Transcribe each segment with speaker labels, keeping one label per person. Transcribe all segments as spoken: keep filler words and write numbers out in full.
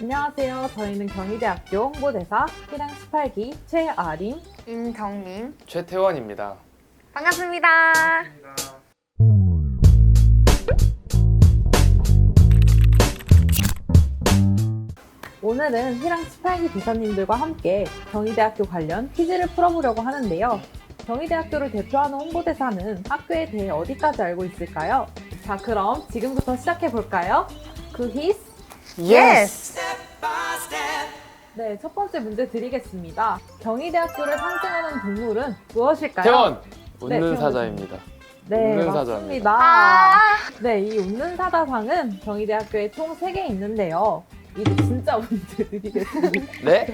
Speaker 1: 안녕하세요. 저희는 경희대학교 홍보대사 일 학 십팔 기 최아림,
Speaker 2: 임정민,
Speaker 3: 최태원입니다.
Speaker 2: 반갑습니다.
Speaker 1: 오늘은 일 학 십팔 기 대사님들과 함께 경희대학교 관련 퀴즈를 풀어보려고 하는데요. 경희대학교를 대표하는 홍보대사는 학교에 대해 어디까지 알고 있을까요? 자, 그럼 지금부터 시작해볼까요? quiz.
Speaker 2: 예스!
Speaker 1: 네, 첫 번째 문제 드리겠습니다. 경희대학교를 상징하는 동물은 무엇일까요?
Speaker 3: 태원!
Speaker 1: 네,
Speaker 3: 웃는
Speaker 1: 태원
Speaker 3: 사자입니다.
Speaker 1: 네,
Speaker 3: 웃는
Speaker 1: 맞습니다.
Speaker 2: 아,
Speaker 1: 네, 이 웃는 사자상은 경희대학교에 총 세 개 있는데요. 이제 진짜 문제 드리겠습니다.
Speaker 3: 네?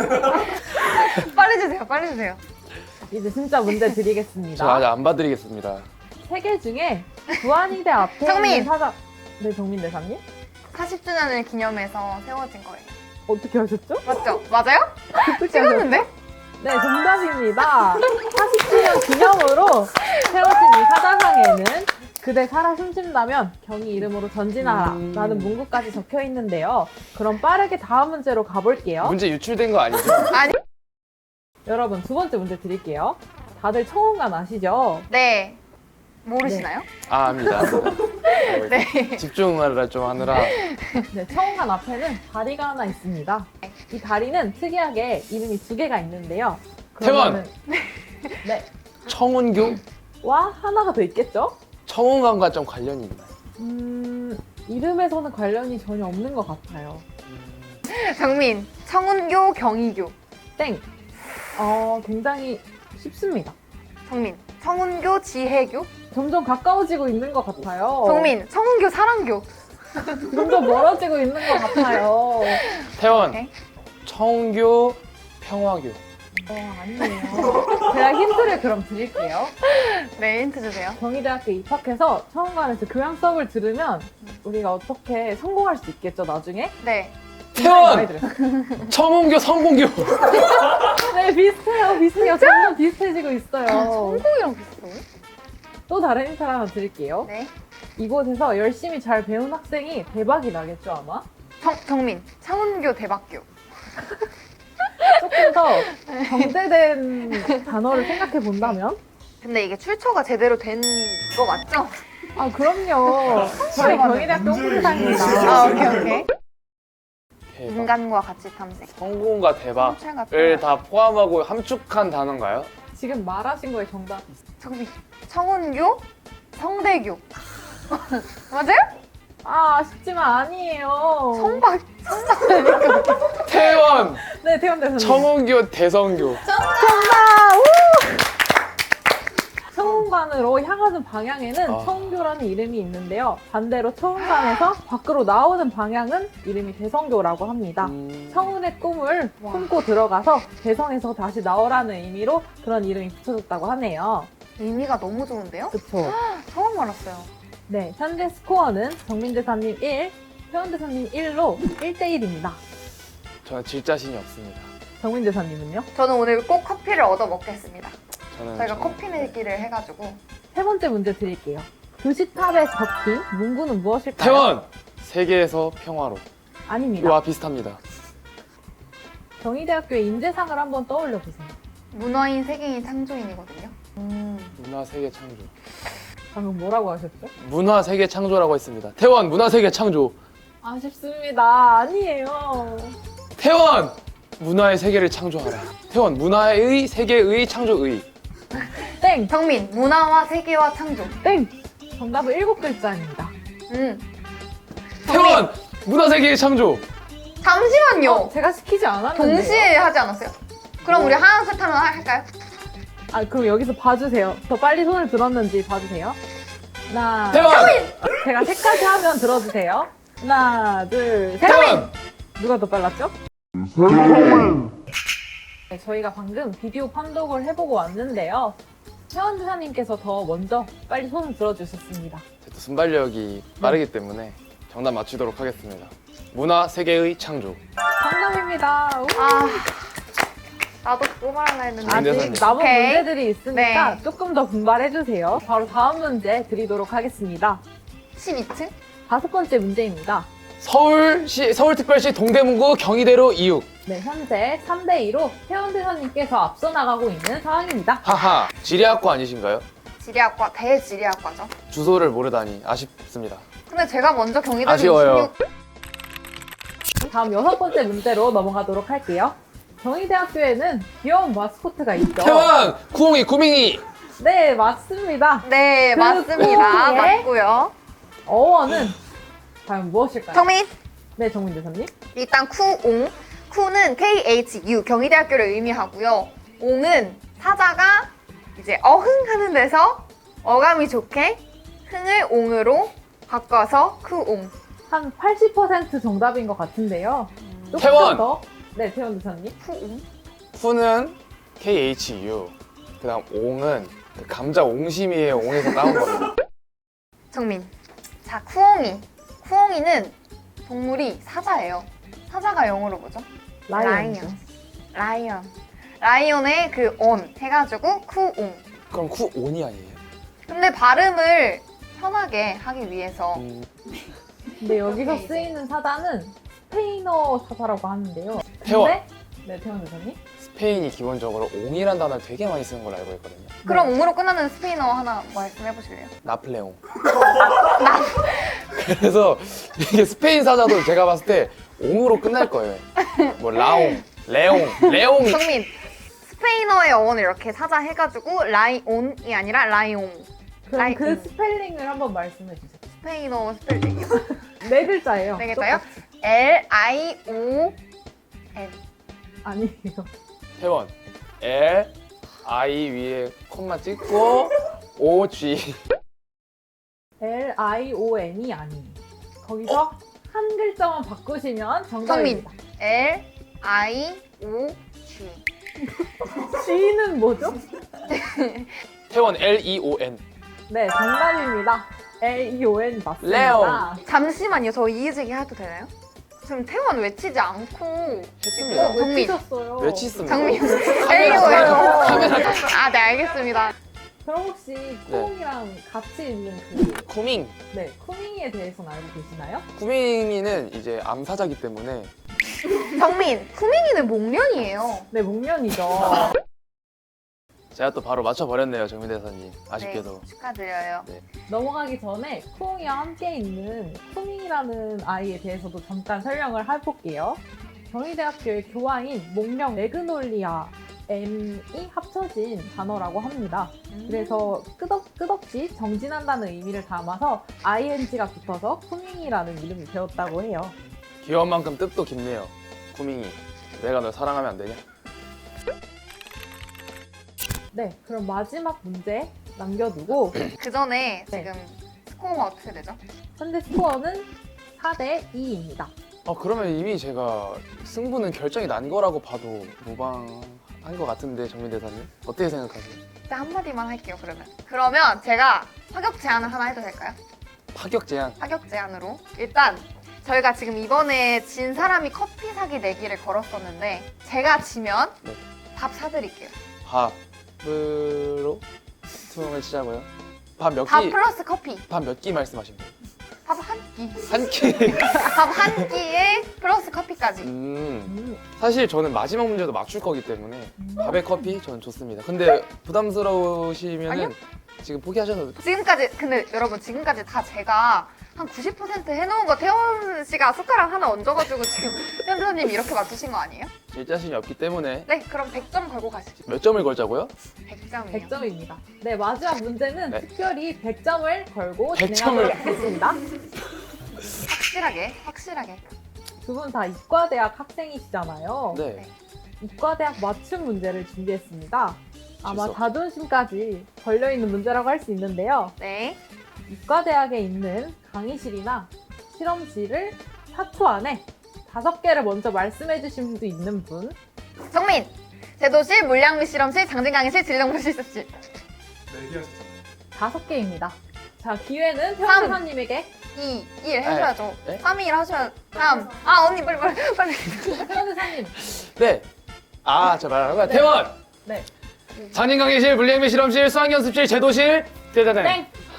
Speaker 2: 빨리 주세요, 빨리 주세요.
Speaker 1: 이제 진짜 문제 드리겠습니다.
Speaker 3: 저 아직 안 봐드리겠습니다.
Speaker 1: 세 개 중에 부안이대 앞에
Speaker 2: 정민!
Speaker 1: 있는 사자... 네, 정민 대사님?
Speaker 2: 사십 주년을 기념해서 세워진 거예요.
Speaker 1: 어떻게 하셨죠?
Speaker 2: 맞죠? 맞아요?
Speaker 1: 어떻게
Speaker 2: 찍었는데?
Speaker 1: 하셨죠? 네, 정답입니다. 사십 주년 기념으로 세워진 이 사자상에는 그대 살아 숨쉰다면 경희 이름으로 전진하라
Speaker 3: 음.
Speaker 1: 라는 문구까지 적혀 있는데요. 그럼 빠르게 다음 문제로 가볼게요.
Speaker 3: 문제 유출된 거 아니죠?
Speaker 2: 아니.
Speaker 1: 여러분, 두 번째 문제 드릴게요. 다들 청운관 아시죠?
Speaker 2: 네. 모르시나요?
Speaker 3: 아, 압니다.
Speaker 2: 네.
Speaker 3: 집중을 좀 하느라.
Speaker 1: 네, 청운관 앞에는 다리가 하나 있습니다. 이 다리는 특이하게 이름이 두 개가 있는데요.
Speaker 3: 태원!
Speaker 1: 네.
Speaker 3: 청운교?
Speaker 1: 와, 하나가 더 있겠죠?
Speaker 3: 청운관과 좀 관련이 있나요?
Speaker 1: 음, 이름에서는 관련이 전혀 없는 것 같아요.
Speaker 2: 정민, 청운교, 경희교.
Speaker 1: 땡! 어, 굉장히 쉽습니다.
Speaker 2: 정민, 청운교, 지혜교.
Speaker 1: 점점 가까워지고 있는 것 같아요.
Speaker 2: 정민, 청운교, 사랑교.
Speaker 1: 점점 멀어지고 있는 것 같아요.
Speaker 3: 태원!
Speaker 2: 오케이.
Speaker 3: 청운교, 평화교.
Speaker 1: 어, 아니에요. 제가 힌트를 그럼 드릴게요.
Speaker 2: 네, 힌트 주세요.
Speaker 1: 경희대학교 입학해서 청운관에서 교양 수업을 들으면 우리가 어떻게 성공할 수 있겠죠, 나중에?
Speaker 2: 네.
Speaker 1: 굉장히 많이
Speaker 3: 태원!
Speaker 1: 들어요.
Speaker 3: 청운교, 성공교.
Speaker 1: 네, 비슷해요, 비슷해요. 점점 비슷해지고 있어요.
Speaker 2: 성공이랑 비슷해요?
Speaker 1: 또 다른 힌트 하나 드릴게요.
Speaker 2: 네.
Speaker 1: 이곳에서 열심히 잘 배운 학생이 대박이 나겠죠, 아마?
Speaker 2: 정, 정민, 청운교, 대박교.
Speaker 1: 조금 더 정제된 단어를 생각해 본다면?
Speaker 2: 근데 이게 출처가 제대로 된 거 맞죠?
Speaker 1: 아, 그럼요. 저희 경희대학교 홍보대사입니다.
Speaker 2: 아, 오케이, 오케이.
Speaker 3: 대박.
Speaker 2: 인간과 가치 탐색.
Speaker 3: 성공과
Speaker 2: 성찰 같은
Speaker 3: 대박을
Speaker 2: 거.
Speaker 3: 다 포함하고 함축한 단어인가요?
Speaker 1: 지금 말하신 거에 정답.
Speaker 2: 정민, 청운교, 성대교. 맞아요?
Speaker 1: 아, 아쉽지만 아니에요.
Speaker 2: 성박,
Speaker 3: 태원!
Speaker 1: 네, 태원 대사님.
Speaker 3: 청운교, 대성교.
Speaker 1: 정답! 우! 청운관으로 향하는 방향에는
Speaker 3: 아.
Speaker 1: 청운교라는 이름이 있는데요. 반대로 청운관에서 밖으로 나오는 방향은 이름이 대성교라고 합니다.
Speaker 3: 음...
Speaker 1: 청운의 꿈을
Speaker 2: 와.
Speaker 1: 품고 들어가서 대성에서 다시 나오라는 의미로 그런 이름이 붙여졌다고 하네요.
Speaker 2: 의미가 너무 좋은데요?
Speaker 1: 그쵸?
Speaker 2: 처음 알았어요.
Speaker 1: 네, 현재 스코어는 정민 대사님 일, 태원 대사님 일로 일 대 일입니다.
Speaker 3: 저는 질 자신이 없습니다.
Speaker 1: 정민 대사님은요?
Speaker 2: 저는 오늘 꼭 커피를 얻어 먹겠습니다.
Speaker 3: 저는
Speaker 2: 저희가
Speaker 3: 정-
Speaker 2: 커피 내기를 해가지고.
Speaker 1: 세 번째 문제 드릴게요. 교시탑에 적힌 문구는 무엇일까요?
Speaker 3: 태원! 세계에서 평화로.
Speaker 1: 아닙니다.
Speaker 3: 와, 비슷합니다.
Speaker 1: 경희대학교의 인재상을 한번 떠올려 보세요.
Speaker 2: 문화인, 세계인, 창조인이거든요.
Speaker 3: 문화 세계 창조.
Speaker 1: 방금 뭐라고 하셨죠?
Speaker 3: 문화 세계 창조라고 했습니다. 태원 문화 세계 창조.
Speaker 1: 아쉽습니다. 아니에요.
Speaker 3: 태원 문화의 세계를 창조하라. 태원 문화의 세계의 창조의.
Speaker 1: 땡!
Speaker 2: 정민, 문화와 세계와 창조.
Speaker 1: 땡! 정답은 일곱 글자입니다.
Speaker 2: 음.
Speaker 3: 태원 문화 세계의 창조.
Speaker 2: 잠시만요.
Speaker 1: 어, 제가 시키지 않았는데요.
Speaker 2: 동시에 하지 않았어요? 그럼
Speaker 3: 뭐.
Speaker 2: 우리 하나, 셋 하면 할까요?
Speaker 1: 아, 그럼 여기서 봐주세요. 더 빨리 손을 들었는지 봐주세요. 하나,
Speaker 3: 태원
Speaker 1: 제가 세까지 하면 들어주세요. 하나, 둘, 셋!
Speaker 3: 태원
Speaker 1: 누가 더 빨랐죠? 네, 저희가 방금 비디오 판독을 해보고 왔는데요. 태원 주사님께서 더 먼저 빨리 손을 들어주셨습니다.
Speaker 3: 또 순발력이 빠르기 때문에 정답 맞추도록 하겠습니다. 문화 세계의 창조.
Speaker 1: 정답입니다. 우!
Speaker 2: 아, 나도 그거 말하려 했는데.
Speaker 3: 아,
Speaker 1: 아직
Speaker 3: 문제선이.
Speaker 1: 남은
Speaker 2: 오케이.
Speaker 1: 문제들이 있으니까
Speaker 2: 네.
Speaker 1: 조금 더 분발해주세요. 바로 다음 문제 드리도록 하겠습니다.
Speaker 2: 십이 층?
Speaker 1: 다섯 번째 문제입니다.
Speaker 3: 서울시 서울특별시 동대문구 경희대로 이육.
Speaker 1: 네, 현재 삼 대 이로 태원 대사님께서 앞서 나가고 있는 상황입니다.
Speaker 3: 하하, 지리학과 아니신가요?
Speaker 2: 지리학과, 대지리학과죠.
Speaker 3: 주소를 모르다니 아쉽습니다.
Speaker 2: 근데 제가 먼저 경희대로
Speaker 3: 아쉬워요.
Speaker 2: 이십육
Speaker 1: 다음 여섯 번째 문제로 넘어가도록 할게요. 경희대학교에는 귀여운 마스코트가 있죠.
Speaker 3: 태원 쿠옹이 구밍이.
Speaker 1: 네, 맞습니다.
Speaker 2: 네,
Speaker 1: 그
Speaker 2: 맞습니다.
Speaker 1: 꾸미의
Speaker 2: 맞고요.
Speaker 1: 어원은 과연 무엇일까요?
Speaker 2: 정민,
Speaker 1: 네, 정민 대사님.
Speaker 2: 일단 쿠옹. 쿠는 케이 에이치 유, 경희대학교를 의미하고요. 옹은 사자가 이제 어흥하는 데서 어감이 좋게 흥을 옹으로 바꿔서 쿠옹.
Speaker 1: 한 팔십 퍼센트 정답인 것 같은데요. 조금
Speaker 3: 태원!
Speaker 1: 더. 네, 태원 대사님.
Speaker 2: 쿠옹.
Speaker 3: 쿠는 케이 에이치 유. 그다음 옹은 그 감자 옹심이의 옹에서 따온 겁니다.
Speaker 2: 정민. 자, 쿠옹이. 쿠옹이는 동물이 사자예요. 사자가 영어로 뭐죠?
Speaker 1: 라이언이죠.
Speaker 2: 라이언. 라이언의 그 온 해가지고 쿠옹.
Speaker 3: 그럼 쿠온이 아니에요?
Speaker 2: 근데 발음을 편하게 하기 위해서
Speaker 3: 음,
Speaker 1: 근데 여기서 쓰이는 사자는 스페인어 사자라고 하는데요.
Speaker 3: 태원.
Speaker 1: 근데- 네, 태원 대사님.
Speaker 3: 스페인이 기본적으로 옹이란 단어를 되게 많이 쓰는 걸로 알고 있거든요.
Speaker 2: 그럼 옹으로 끝나는 스페인어 하나 말씀해 보실래요?
Speaker 3: 나플레옹. 그래서 이게 스페인 사자도 제가 봤을 때 옹으로 끝날 거예요. 뭐 라옹, 레옹, 레옹.
Speaker 2: 성민. 스페인어의 어원을 이렇게 사자 해가지고 라이온이 아니라 라이옹.
Speaker 1: 그럼
Speaker 2: 라이-
Speaker 1: 그
Speaker 2: 음.
Speaker 1: 스펠링을 한번 말씀해 주세요.
Speaker 2: 스페인어 스펠링이요.
Speaker 1: 네 글자예요.
Speaker 2: 네 글자요?
Speaker 1: 똑같이.
Speaker 2: L I O N.
Speaker 1: 아니에요.
Speaker 3: 태원. L, I 위에 콤마 찍고 O, G.
Speaker 1: L I O N이 아니에요. 거기서 한 글자만 바꾸시면 정답입니다.
Speaker 2: L I O G.
Speaker 1: G는 뭐죠?
Speaker 3: 태원 L, E, O, N.
Speaker 1: 네, 정답입니다. L E O N 맞습니다.
Speaker 3: 레옹.
Speaker 2: 잠시만요. 저 이의제기 해도 되나요? 지금 태원 외치지 않고
Speaker 3: 했습니다.
Speaker 2: 어, 정민.
Speaker 1: 외치셨어요.
Speaker 3: 외치습니다.
Speaker 2: 장민.
Speaker 1: 카메라
Speaker 2: L E O N.
Speaker 3: 카메라.
Speaker 2: 아, 네 알겠습니다.
Speaker 1: 그럼 혹시 쿠옹이랑 같이 있는 그
Speaker 3: 쿠밍.
Speaker 1: 네, 쿠밍이에 대해서는 알고 계시나요?
Speaker 3: 쿠밍이는 이제 암사자기 때문에
Speaker 2: 정민. 쿠밍이는 목련이에요.
Speaker 1: 네, 목련이죠.
Speaker 3: 제가 또 바로 맞춰버렸네요, 정민 대사님. 아쉽게도.
Speaker 2: 네, 축하드려요.
Speaker 1: 넘어가기 전에 쿠옹이와 함께 있는 쿠밍이라는 아이에 대해서도 잠깐 설명을 해볼게요. 경희대학교의 교화인 목명 매그놀리아 M이 합쳐진 단어라고 합니다. 그래서 끄덕, 끝없이 정진한다는 의미를 담아서 아이엔지가 붙어서 쿠밍이라는 이름이 되었다고 해요.
Speaker 3: 귀여운 만큼 뜻도 깊네요. 쿠밍이. 내가 널 사랑하면 안 되냐?
Speaker 1: 네, 그럼 마지막 문제 남겨두고
Speaker 2: 그 전에
Speaker 1: 네.
Speaker 2: 지금 스코어가 어떻게 되죠?
Speaker 1: 현재 스코어는 사 대 이입니다.
Speaker 3: 어, 그러면 이미 제가 승부는 결정이 난 거라고 봐도 무방한 것 같은데, 정민 대사님. 어떻게 생각하세요?
Speaker 2: 일단 한마디만 할게요, 그러면. 그러면 제가 파격 제안을 하나 해도 될까요?
Speaker 3: 파격 제안.
Speaker 2: 파격 제안으로. 일단 저희가 지금 이번에 진 사람이 커피 사기 내기를 걸었었는데 제가 지면
Speaker 3: 네.
Speaker 2: 밥 사드릴게요.
Speaker 3: 밥으로 투명을 치자고요. 밥 몇
Speaker 2: 밥
Speaker 3: 끼?
Speaker 2: 플러스 커피.
Speaker 3: 밥 몇 끼 말씀하신 거예요?
Speaker 2: 밥 한 끼.
Speaker 3: 한 끼.
Speaker 2: 밥 한 끼에 플러스 커피까지.
Speaker 3: 음.
Speaker 1: 음,
Speaker 3: 사실 저는 마지막 문제도 맞출 거기 때문에 밥에 커피 저는 좋습니다. 근데 부담스러우시면은
Speaker 2: 아니요.
Speaker 3: 지금 포기하셔도 돼요.
Speaker 2: 지금까지 근데 여러분 지금까지 다 제가 한 구십 퍼센트 해놓은 거 태원 씨가 숟가락 하나 얹어가지고 지금 현수님 이렇게 맞추신 거 아니에요?
Speaker 3: 질 자신이 없기 때문에
Speaker 2: 네, 그럼 백 점 걸고 가시죠.
Speaker 3: 몇 점을 걸자고요?
Speaker 2: 백 점이요.
Speaker 1: 백 점입니다. 네, 마지막 문제는
Speaker 3: 네.
Speaker 1: 특별히 백 점을 걸고
Speaker 3: 백
Speaker 1: 진행하도록
Speaker 3: 점을.
Speaker 1: 하겠습니다.
Speaker 2: 확실하게, 확실하게.
Speaker 1: 두 분 다 이과대학 학생이시잖아요.
Speaker 3: 네.
Speaker 1: 이과대학 맞춤 문제를 준비했습니다. 아마
Speaker 3: 실수.
Speaker 1: 자존심까지 걸려있는 문제라고 할 수 있는데요.
Speaker 2: 네.
Speaker 1: 이과대학에 있는 강의실이나 실험실을 사 초 안에 다섯 개를 먼저 말씀해 주실 수 있는 분.
Speaker 2: 정민! 제도실, 물량미 실험실, 장진강의실, 진령무실 습실.
Speaker 3: 네 개 하셨잖아요.
Speaker 1: 다섯 개입니다. 자, 기회는
Speaker 2: 삼.
Speaker 1: 태원대사님에게.
Speaker 2: 이, 일 해줘야죠.
Speaker 3: 네?
Speaker 2: 삼, 일 하셔야, 삼. 아, 언니, 빨리, 빨리, 빨리.
Speaker 1: 태원대사님.
Speaker 3: 네. 아, 저 말하는 거야.
Speaker 1: 네.
Speaker 3: 태원!
Speaker 1: 네.
Speaker 3: 장인강의실, 물리학미 실험실, 수학연습실, 제도실, 대대대.
Speaker 1: 땡!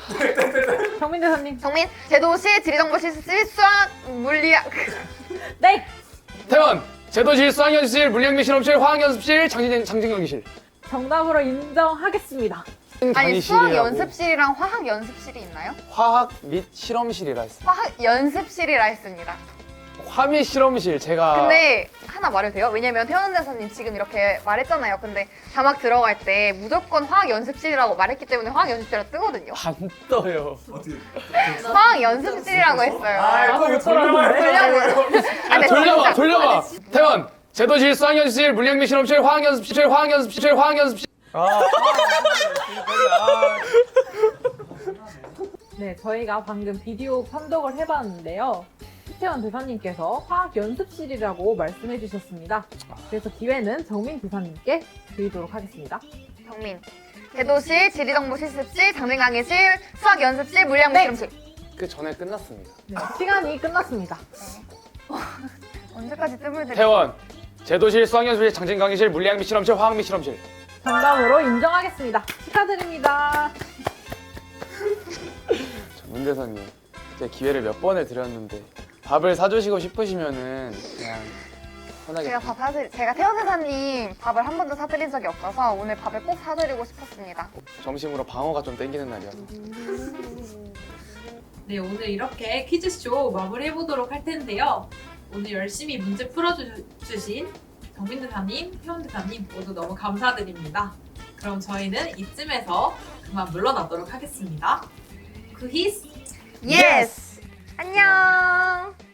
Speaker 1: 정민 대사님.
Speaker 2: 정민, 제도시, 지리정보 실습실, 수학, 물리학.
Speaker 1: 네.
Speaker 3: 태원 제도실, 수학연습실, 물리학미 실험실, 화학연습실, 장진 장진경기실.
Speaker 1: 정답으로 인정하겠습니다.
Speaker 2: 아니, 수학
Speaker 3: 강의실이라고.
Speaker 2: 연습실이랑 화학 연습실이 있나요?
Speaker 3: 화학 및 실험실이라 했어요.
Speaker 2: 화학 연습실이라 했습니다.
Speaker 3: 화미 실험실 제가
Speaker 2: 근데 하나 말해도 돼요? 왜냐면 태원 대사님 지금 이렇게 말했잖아요. 근데 자막 들어갈 때 무조건 화학 연습실이라고 말했기 때문에 화학 연습실이라고 뜨거든요.
Speaker 3: 안 떠요.
Speaker 2: 화학 연습실이라고 했어요.
Speaker 1: 아, 못 들었는데.
Speaker 2: 돌려보.
Speaker 3: 아, 돌려봐, 돌려봐. 태원 제도실, 수학연습실, 물리학미 실험실, 화학연습실, 화학연습실, 화학연습실.
Speaker 1: 네, 저희가 방금 비디오 판독을 해봤는데요. 태원 대사님께서 화학 연습실이라고 말씀해 주셨습니다. 그래서 기회는 정민 대사님께 드리도록 하겠습니다.
Speaker 2: 정민. 제도실, 지리정보 실습실, 장진 강의실, 수학 연습실, 물리학
Speaker 1: 네.
Speaker 2: 실험실.
Speaker 3: 그 전에 끝났습니다.
Speaker 1: 네, 시간이 끝났습니다.
Speaker 2: 언제까지 뜸을 들이?
Speaker 3: 태원 제도실, 수학연습실, 장진강의실, 물리학미 실험실, 화학미 실험실.
Speaker 1: 정답으로 인정하겠습니다. 축하드립니다.
Speaker 3: 문 대사님, 제가 기회를 몇 번을 드렸는데 밥을 사주시고 싶으시면은 그냥 편하게.
Speaker 2: 제가 밥 사드, 제가 태원 대사님 밥을 한 번도 사드린 적이 없어서 오늘 밥을 꼭 사드리고 싶었습니다.
Speaker 3: 점심으로 방어가 좀 땡기는 날이어서.
Speaker 1: 네, 오늘 이렇게 퀴즈쇼 마무리해보도록 할 텐데요. 오늘 열심히 문제 풀어주신 정민 대사님, 태원 대사님 모두 너무 감사드립니다. 그럼 저희는 이쯤에서 그만 물러나도록 하겠습니다. 구히스!
Speaker 2: 예스! 안녕!